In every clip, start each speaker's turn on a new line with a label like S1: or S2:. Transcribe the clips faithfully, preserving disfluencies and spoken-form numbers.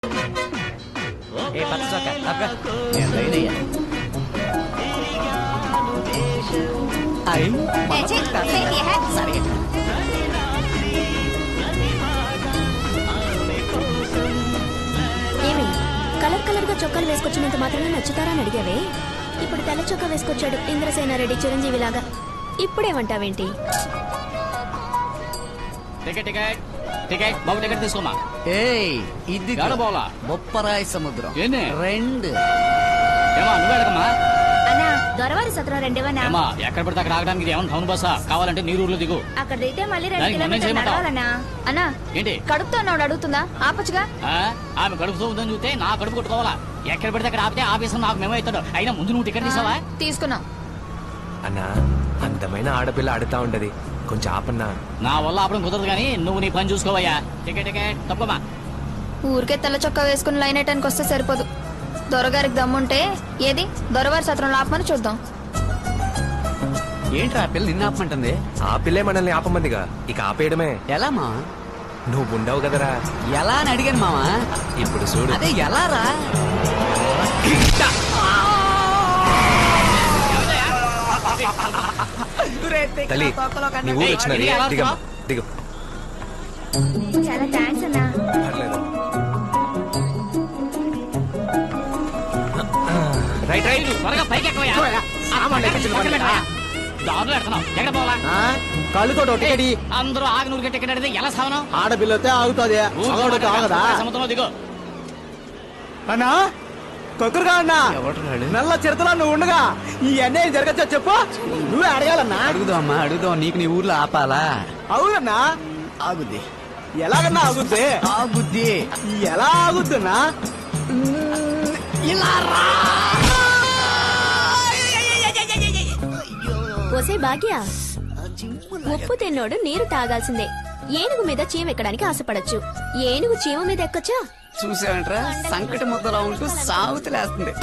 S1: ఏ పచ్చ చొక్క తప్పగా నేను లైనయ్యా అయ్యి సరే
S2: ఏమి కలర్ కలర్ గా చొక్కాలు వేసుకొచ్చినంత మాత్రమే నచ్చుతారా అని అడిగావే. ఇప్పుడు తెల్ల చొక్కా వేసుకొచ్చాడు ఇంద్రసేన రెడ్డి చిరంజీవి లాగా. ఇప్పుడేమంటావేంటి?
S1: టికెట్ టికెట్ టికెట్ బాబు టికెట్ తీసుకోమా.
S3: ఏయ్ ఇది
S1: పోలా
S3: బొప్పరాయి సముద్రం
S1: ఏంది
S3: రెండు
S1: ఏమా నువ్వు అడగమ్మా.
S2: అన్నా దొరవారి సత్రం రెండేవన్నా.
S1: ఏమా ఎక్కడ పడితే అక్కడ ఆగడానికి ఇది ఏమన్నా టౌన్ బస్సా? కావాలంటే నీ ఊర్లో దిగు.
S2: అక్కడ దిగితే మళ్ళీ రెండు
S1: దానికి మనం
S2: కిలోమీటర్లు
S1: చేయమంటావా?
S2: నడవాలన్నా. అన్నా
S1: ఏంటి
S2: కడుపుతో ఉన్నాడు అడుగుతుందా? ఆపచ్చుగా.
S1: ఆ? ఆమె కడుపుతో ఉందని చూస్తే నా కడుపు కొట్టుకోవాలా? ఎక్కడ పడితే అక్కడ ఆపితే ఆఫీసర్ నాకు మేమో అవుతాడు. అయినా ముందు నువ్వు టికెట్ తీసావా?
S2: తీసుకున్నాం
S4: అన్నా అందమైన ఆడపిల్ల ఆడుతా ఉంటది, కొంచెం ఆపన్నా.
S1: నా వల్ల ఆపడం కుదరదు కానీ నువ్వు నీ పని చూసుకోవయ్యా. Ticket ticket తప్పమా.
S2: ఊరికే తెల్ల చొక్కా వేసుకుని లైన్ అయ్యడానికి వస్తే సరిపోదు. దొరగారికి దమ్ముంటే ఏది దొరవారి సత్రం ఆపమని చూద్దాం.
S3: ఏంట్రా పిల్ల నిన్న ఆపమంటుంది?
S4: ఆ పిల్లే మనల్ని ఆపమందిగా, ఇక ఆపేయడమే.
S3: ఎలా మా
S4: నువ్వు ఉండవు కదరా.
S3: ఎలా అని అడిగాను మావా.
S4: ఇప్పుడు చూడు.
S3: అదే ఎలా రా?
S4: తల్లి నీ ఊరు వచ్చినది, దిగమ్మా దిగు.
S2: చాలా థ్యాంక్స్ అన్నా.
S4: పర్లేదు. రైట్ రైట్
S1: త్వరగా పైకి ఎక్కువయ్యా. దారులు ఎడుతున్నావు. ఎక్కడ పోవాలా?
S5: కళ్ళుతో టికెట్
S1: అందరూ ఆగనూరు టికెట్ అడిగితే ఎలా సావనం?
S5: ఆడపిల్లతే ఆగుతుంది ఆగదా
S1: సముద్రంలో దిగు.
S5: అన్నా కొక్కరుగా అన్నా నల్ల చిరతలో నువ్వు ఉండగా ఈ అన్యాయం జరగచ్చా చెప్పు. నువ్వే అడగాలన్నా.
S3: అడుగుదాం అమ్మా అడుగుదాం. నీకు నీ ఊర్లో ఆపాలా?
S5: అవునన్నా.
S3: ఆగుద్ది
S5: ఎలాగన్నా ఆగుద్ది?
S3: ఆగుద్ది.
S5: ఎలా ఆగుతున్నా?
S3: ఇలా రా.
S2: ఒసే భాగ్య, ఉప్పు తిన్నోడు నీరు తాగాల్సిందే. ఏనుగు మీద చీమ ఎక్కడానికి ఆశపడచ్చు. ఏనుగు చీమ మీద ఎక్కొచ్చా?
S3: చూసావంట్రా సంకట ముద్దలా ఉంటూ సాగుతులేస్తుంది.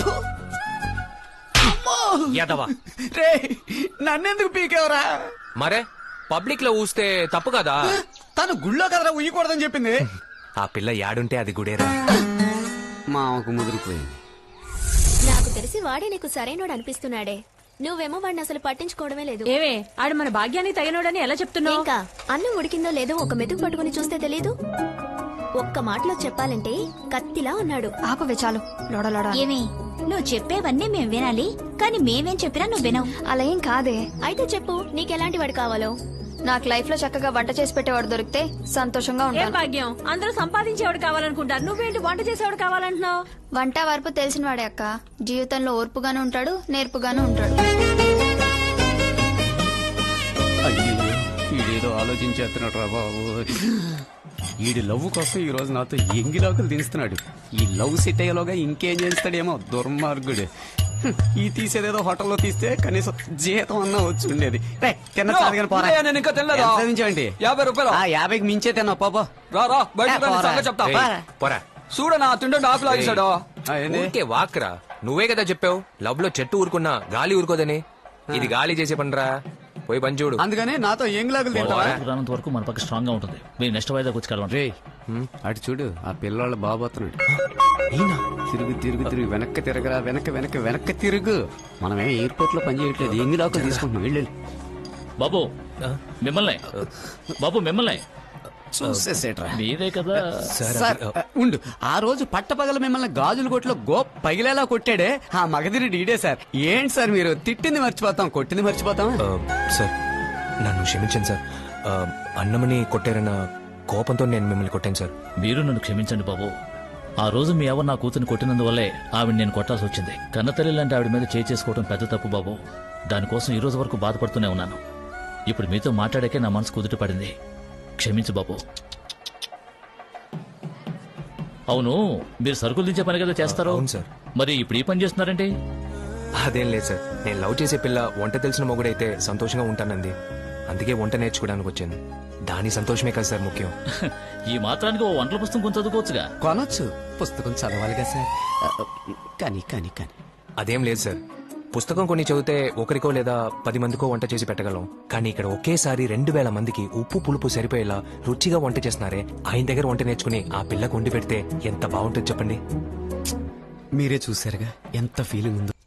S3: రే నన్నెందుకు పీకేవరా?
S4: మరే పబ్లిక్ లో ఊస్తే తప్పు కదా.
S3: తను గుళ్ళో కదరా ఉయ్యకూడదని చెప్పింది.
S4: ఆ పిల్ల యాడుంటే అది గుడేరా.
S3: మాకు ముదిరిపోయింది.
S2: నాకు తెలిసి వాడే నీకు సరైనోడు అనిపిస్తున్నాడే. నువ్వేమో వాడిని అసలు పట్టించుకోవడమే లేదు.
S6: ఏవే ఆడు మన భాగ్యానికి తగినోడని ఎలా చెప్తున్నావు?
S2: ఇంకా అన్నం ఉడికిందో లేదో ఒక మెతుకు పట్టుకుని చూస్తే తెలీదు. ఒక్క మాటలో చెప్పాలంటే కత్తిలా ఉన్నాడు.
S6: ఆపవే చాలు లోడలోడ.
S7: ఏమి నువ్వు చెప్పేవన్నీ మేం వినాలి, కానీ మేమేం చెప్పినా నువ్వు వినవు.
S2: అలా ఏం కాదే. అయితే చెప్పు నీకెలాంటి వాడు కావాలో. నాకు లైఫ్ లో చక్కగా వంట చేసి పెట్టేవాడు దొరికితే సంతోషంగా
S6: ఏ
S2: ఉంటాను.
S6: భాగ్యం, అందరూ సంపాదించేవాడు కావాలనుకుంటారు, నువ్వేంటి వంట చేసేవాడు కావాలంటున్నావు?
S2: వంట వరపు తెలిసిన వాడే అక్క. జీవితంలో ఓర్పుగాను ఉంటాడు, నేర్పుగాను ఉంటాడు.
S3: అయ్యో ఈడేదో ఆలోచించేస్తున్నాడు రా బాబు. ఈడి లవ్ కోసం ఈ రోజు నాతో ఎంగిలాకులు దించుతున్నాడు. ఈ లవ్ సెట్ అయ్యేలోగా ఇంకేం చేస్తాడేమో దుర్మార్గుడు. హ్మ్, ఈ తీసేదేదో హోటల్లో తీస్తే కనీసం జీతం అన్నా వచ్చి ఉండేది. రే, తిన్న చాలు గాని పోరా.
S5: నేను ఇంకా తినలేదా?
S3: ఎంత చదివించావంటి?
S5: యాభై రూపాయలు.
S3: ఆ యాభైకి మించే తిన్నావు పాపో.
S5: రా రా బయట
S3: ఏ, పోరా.
S5: చెప్తా.
S4: ఏయ్, పోరా.
S5: చూడనా తింటుంటే ఆకులు ఆగిస్తాడు.
S3: ఆ, ఏంది?
S4: ఊరికే వాక్రా. నువ్వే కదా చెప్పావు లవ్ లో చెట్టు ఊరుకున్నా గాలి ఊరుకోదని. ఇది గాలి చేసే పనిరా. పోయి పని చూడు.
S3: అందుకని నాతో ఎంగిలాకులు తింటావా?
S8: రానంత వరకు మన పక్క స్ట్రాంగ్ గా ఉంటుంది. మీరు నెక్స్ట్ వాయిదా వచ్చి కలవండి.
S3: రే అటు చూడు, ఆ పిల్లవాళ్ళ బాబోతున్నాడు. తిరుగు తిరుగు తిరుగు వెనక్కి తిరగరా, వెనక్కి వెనక్కి వెనక్కి తిరుగు. మనమే ఎయిర్పోర్ట్ లో పని చేయట్లేదు, ఎంగిలాకులు తీసుకుంటున్నాం. వెళ్ళు
S8: బాబు మిమ్మల్ని బాబు మిమ్మల్ని
S3: చూసేసేట్రా.
S8: మీరే కదా.
S3: సార్ ఉండు, ఆ రోజు పట్టపగల మిమ్మల్ని గాజుల కొట్లో గో పగిలేలా కొట్టాడే ఆ మగధిరి డీడే సార్. ఏంటి సార్ మీరు తిట్టింది మర్చిపోతాం, కొట్టింది మర్చిపోతాం.
S4: ఆ, సార్ నన్ను క్షమించండి సార్. ఆ, అన్నమని కొట్టారన్న కోపంతో నేను మిమ్మల్ని కొట్టాను సార్.
S8: మీరు నన్ను క్షమించండి బాబు. ఆ రోజు మీ ఎవరు నా కూతురిని కొట్టినందువల్లే ఆవిడ నేను కొట్టాల్సి వచ్చింది. కన్నతల్లి లాంటి ఆవిడ మీద చేయి చేసుకోవడం పెద్ద తప్పు బాబు. దానికోసం ఈ రోజు వరకు బాధపడుతూనే ఉన్నాను. ఇప్పుడు మీతో మాట్లాడాకే నా మనసు కుదుట పడింది. క్షమించు బాబు. అవును, మీరు సరుకులు దించే పని కదా చేస్తారు?
S4: అవును సార్.
S8: మరి ఇప్పుడు ఈ పని చేస్తున్నారంటే?
S4: అదేం లేదు సార్, నేను లవ్ చేసే పిల్ల వంట తెలిసిన మొగుడైతే సంతోషంగా ఉంటానంది. అందుకే వంట నేర్చుకోవడానికి వచ్చాను. దాని సంతోషమే కదా సార్ ముఖ్యం.
S8: ఈ మాత్రానికి ఓ వంటల పుస్తకం కొంచెం చదువుకోవచ్చుగా.
S3: కొనొచ్చు, పుస్తకం చదవాలిగా సార్. కానీ కానీ కానీ
S4: అదేం లేదు సార్, పుస్తకం కొన్ని చదివితే ఒకరికో లేదా పది మందికో వంట చేసి పెట్టగలం, కానీ ఇక్కడ ఒకేసారి రెండు వేల మందికి ఉప్పు పులుపు సరిపోయేలా రుచిగా వంట చేస్తున్నారే, ఆయన దగ్గర వంట నేర్చుకుని ఆ పిల్లకు వండి పెడితే ఎంత బాగుంటుంది చెప్పండి.
S3: మీరే చూసారుగా ఎంత ఫీలింగ్ ఉందో.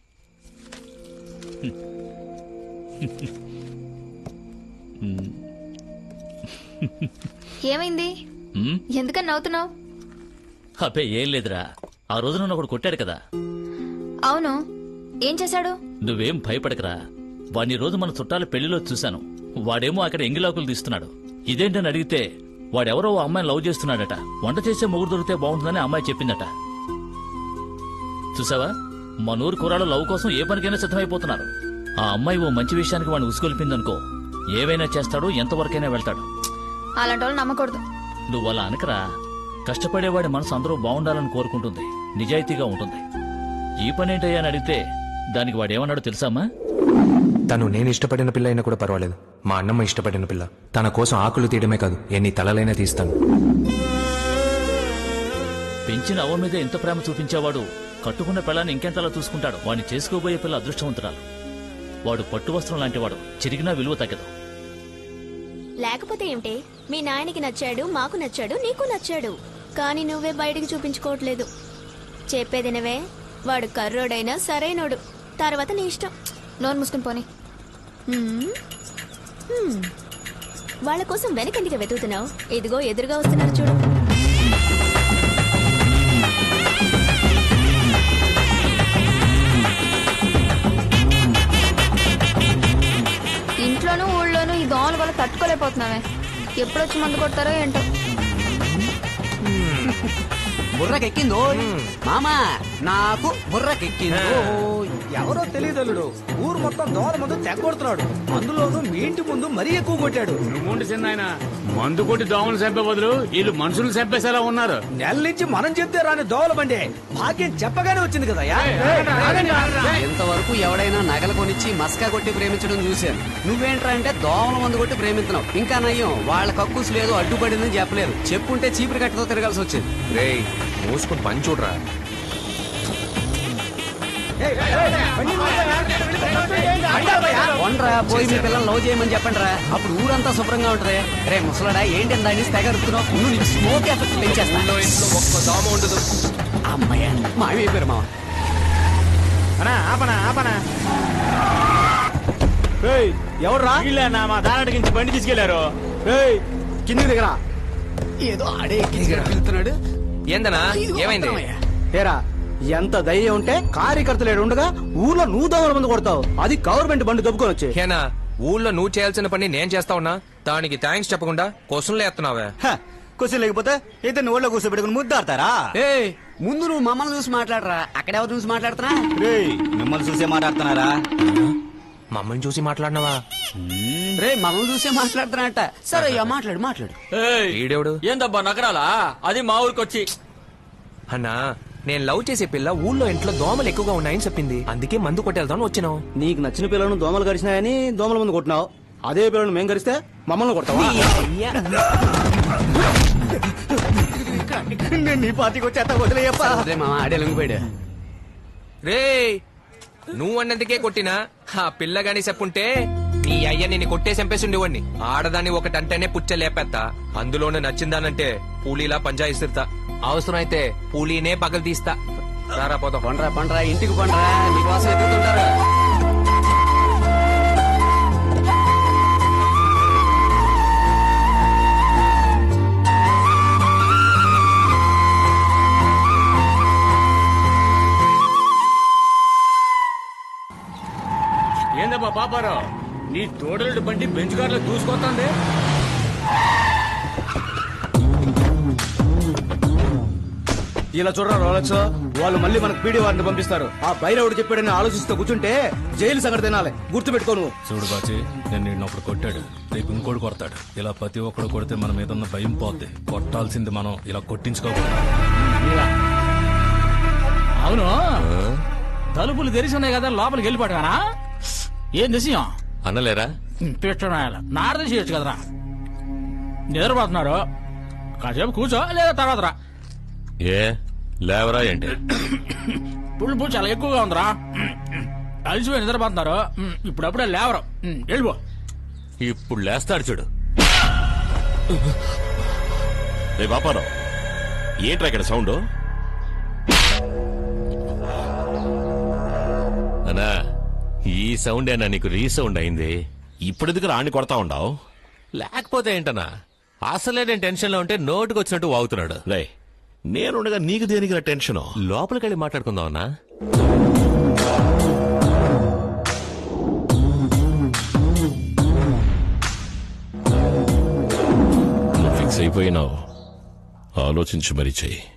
S2: ఏమైంది? ఎందుకని నవ్వుతున్నావు?
S8: అబ్బే ఏం లేదురా, ఆ రోజు నన్ను ఒకడు కొట్టాడు కదా.
S2: అవును, ఏం చేశాడు?
S8: నువ్వేం భయపడకరా, వాడిని రోజు మన చుట్టాల పెళ్లిలో చూశాను. వాడేమో అక్కడ ఎంగిలాకులు తీస్తున్నాడు. ఇదేంటని అడిగితే వాడెవరో ఓ అమ్మాయిని లవ్ చేస్తున్నాడట. వంట చేసే మొగుడు దొరికితే బాగుంటుందని అమ్మాయి చెప్పిందట. చూసావా, మన ఊరు కుర్రాళ్ళు లవ్ కోసం ఏ పనికైనా సిద్ధమైపోతున్నారు. ఆ అమ్మాయి ఓ మంచి విషయానికి వాడిని ఉసుకొల్పిందనుకో, ఏవైనా చేస్తాడు, ఎంతవరకైనా వెళ్తాడు.
S2: అలాంటి వాళ్ళు నమ్మకూడదు.
S8: నువ్వు అలా అనకరా. కష్టపడేవాడి మనసు అందరూ బాగుండాలని కోరుకుంటుంది, నిజాయితీగా ఉంటుంది. ఈ పనేంటయ్యా అని అడిగితే దానికి వాడేమన్నాడో తెలుసామా?
S4: తను నేను ఇష్టపడిన పిల్ల అయినా కూడా పర్వాలేదు, మా అన్నమ్మ ఇష్టపడిన పిల్ల. తన కోసం ఆకులు తీయడమే కాదు, ఎన్ని తలలైనా తీస్తాను.
S8: పెంచిన అవ్వ మీద ఎంత ప్రేమ చూపించేవాడు కట్టుకున్న పిల్లని ఇంకెంతలా చూసుకుంటాడు. వాడిని చేసుకోబోయే పిల్ల అదృష్టవంతురాలు. వాడు పట్టు వస్త్రం లాంటివాడు, చిరిగినా విలువ తగ్గదు.
S2: లేకపోతే ఏమిటి? మీ నాయనకి నచ్చాడు, మాకు నచ్చాడు, నీకు నచ్చాడు, కానీ నువ్వే బయటికి చూపించుకోవట్లేదు. చెప్పేదినవే, వాడు కర్రోడైనా సరైనోడు, తర్వాత నీ ఇష్టం. నోరు మూసుకుని పోనీ. హ్మ్. హ్మ్. వాళ్ళ కోసం వెనకెందుకు వెతుకుతున్నావు? ఇదిగో ఎదురుగా వస్తున్నారు చూడు. ఇంట్లోనూ ఊళ్ళోనూ ఈ దోమల వల్ల తట్టుకోలేకపోతున్నావే. ఎప్పుడొచ్చి మందు కొడతారో ఏంటో.
S3: బుర్రకెక్కిందో మామా, నాకు బుర్రకెక్కిందో.
S5: ఎవరో తెలియదల్లుడు ఊరు మొత్తం దోమల ముందు తెగొడుతున్నాడు. అందులోనూ మీ ఇంటి ముందు మరీ ఎక్కువ కొట్టాడు.
S9: నువ్వుండి చిన్న మందు కొట్టి దోమలు చంపే బదులు వీళ్ళు మనుషులు చంపేసేలా ఉన్నారు.
S5: నెల నుంచి మనం చెప్తే రాని దోమల బండి భాగ్యం చెప్పగానే వచ్చింది కదా.
S3: ఇంతవరకు ఎవడైనా నగలు కొనిచ్చి మస్కా కొట్టి ప్రేమించడం చూశాను. నువ్వేంట్రా అంటే దోమల మందు కొట్టి ప్రేమిస్తున్నావు. ఇంకా నయ్యం, వాళ్ళ కక్కుస్ లేదు, అడ్డుపడిందని చెప్పలేదు. చెప్పుంటే చీపురు కట్టతో తిరగాల్సి వచ్చింది.
S4: రేయ్, మూసుకుని పని చూడరా.
S3: వండ్రా పోయి మీ పిల్లలు లవ్ చేయమని చెప్పండి రా, అప్పుడు ఊరంతా శుభ్రంగా ఉంటది. రే ముసలాడా, ఏంటి దాన్ని తెగరుతున్నావు? నువ్వు నీకు స్మోక్ ఎఫెక్ట్ పెంచేస్తా.
S4: ఇంట్లో ఒక్క దోమ ఉండదు.
S3: అమ్మయ్య, మాయమైపోయారు మామ.
S5: ఎవడ్రా?
S9: వీళ్ళేనా మా దానడికి బండి తీసుకెళ్లారు.
S5: కిందికి దిగరా.
S3: ఏదో ఆడే వెళ్తున్నాడు.
S4: ఏందనా, ఏమైంది?
S5: ఏరా, ఎంత ధైర్యం ఉంటే కార్యకర్తలు ఉండగా ఊర్లో నువ్వు దోమల ముందు కొడతావు? అది గవర్నమెంట్ బండి దొబ్బుకొని వచ్చి.
S4: హేనా, ఊళ్ళో నువ్వు చేయాల్సిన పని నేను చేస్తా ఉన్నా, దానికి థ్యాంక్స్ చెప్పకుండా క్వశ్చన్లు ఎత్తున్నావే.
S5: క్వశ్చన్ లేకపోతే ఇద్దరిని ఊళ్ళో కూర్చోబెట్టుకుని ముద్దాడతారా?
S3: ఏ ముందు నువ్వు మమ్మల్ని చూసి మాట్లాడరా. అక్కడెవరు చూసి మాట్లాడుతున్నా?
S5: మిమ్మల్ని చూసే మాట్లాడుతున్నారా?
S4: మమ్మల్ని చూసి మాట్లాడినావా?
S3: రే మమ్మల్ని చూసే మాట్లాడుతున్నట్ట. సరే అయ్యా, మాట్లాడు మాట్లాడు.
S4: ఈడేవుడు?
S10: ఏందబ్బా నగరాలా? అది మా ఊరికొచ్చి.
S4: అన్నా, నేను లవ్ చేసే పిల్ల ఊళ్ళో ఇంట్లో దోమలు ఎక్కువగా ఉన్నాయని చెప్పింది, అందుకే మందు కొట్టేద్దాం వచ్చినావు.
S5: నీకు నచ్చిన పిల్లలను దోమలు గడిచినాయని దోమల ముందు కొట్టినావు. అదే పిల్లలను మేము గడిస్తే మమ్మల్ని కొడతావా? నేను నీ పార్టీకి వచ్చేస్తా, వదిలేయప్పా.
S3: అదే మామ, ఆడే లొంగిపోయాడు.
S4: రే, నువ్వు అన్నందుకే కొట్టినా ఆ పిల్ల గాని చెప్పుంటే నీ అయ్య నిన్ను కొట్టే చంపేసి ఉండేవాడిని. ఆడదాన్ని ఒకటంటేనే పుచ్చ లేపెత్తా, అందులోనే నచ్చిందానంటే పూలీలా పంజాయిస్తా. అవసరం అయితే పూలీనే పగలు తీస్తా. రారా పోదాం.
S3: పండ్రా పండ్రా, ఇంటికి పండ్రా, నీకోసం ఎదుగుతుంటారు.
S9: ఏందబ్బా పాపారావు, నీ తోడలుడి బండి బెంచ్ కార్లో దూసుకొస్తుంది.
S5: ఇలా చూడరా రోలక్స్, వాళ్ళు మళ్ళీ మనకు పీడీ వారిని పంపిస్తారు. ఆ బైరవుడు చెప్పాడని ఆలోచిస్తూ కూర్చుంటే జైలు సంగతి తినాలి. గుర్తు పెట్టుకోను.
S11: చూడు బాచి, నేను నిన్న ఒకడు కొట్టాడు, రేపు ఇంకోటి కొడతాడు. ఇలా ప్రతి ఒక్కడు కొడితే మన మీద ఉన్న భయం పోద్ది. కొట్టాల్సింది మనం, ఇలా కొట్టించుకోకూడదు.
S1: అవును, తలుపులు తెరిచి ఉన్నాయి కదా, లోపలికి వెళ్ళిపోయానా? ఏం విషయం
S11: అనలేరా?
S1: పెట్టడం నారద చేయొచ్చు కదరా. నిద్రపోతున్నారు, కాసేపు కూర్చో, లేదా తర్వాత రా.
S11: ఏ లేవరా ఏంటి?
S1: పులుపు చాలా ఎక్కువగా ఉందిరా. అలసిపోయి నిద్రపోతున్నారు ఉమ్, ఇప్పుడప్పుడే లేవరు ఉమ్, వెళ్ళిపో.
S12: ఇప్పుడు లేస్తాడు చూడు. రే బాపారావు, ఏంట్రా ఇక్కడ సౌండ్? అన్నా, ఈ సౌండ్ ఏనా నీకు రీసౌండ్ అయింది? ఇప్పుడు ఎందుకు రాణి కొడతా ఉండవు?
S4: లేకపోతే ఏంటన్నా, అసలే నేను టెన్షన్ లో ఉంటే నోటుకు వచ్చినట్టు వాగుతున్నాడు.
S12: రే, నేనుండగా నీకు దేనికి టెన్షన్?
S4: లోపలికెళ్ళి మాట్లాడుకుందాం అన్నా.
S12: ఫిక్స్ అయిపోయినావు, ఆలోచించి మరీ చెయ్యి.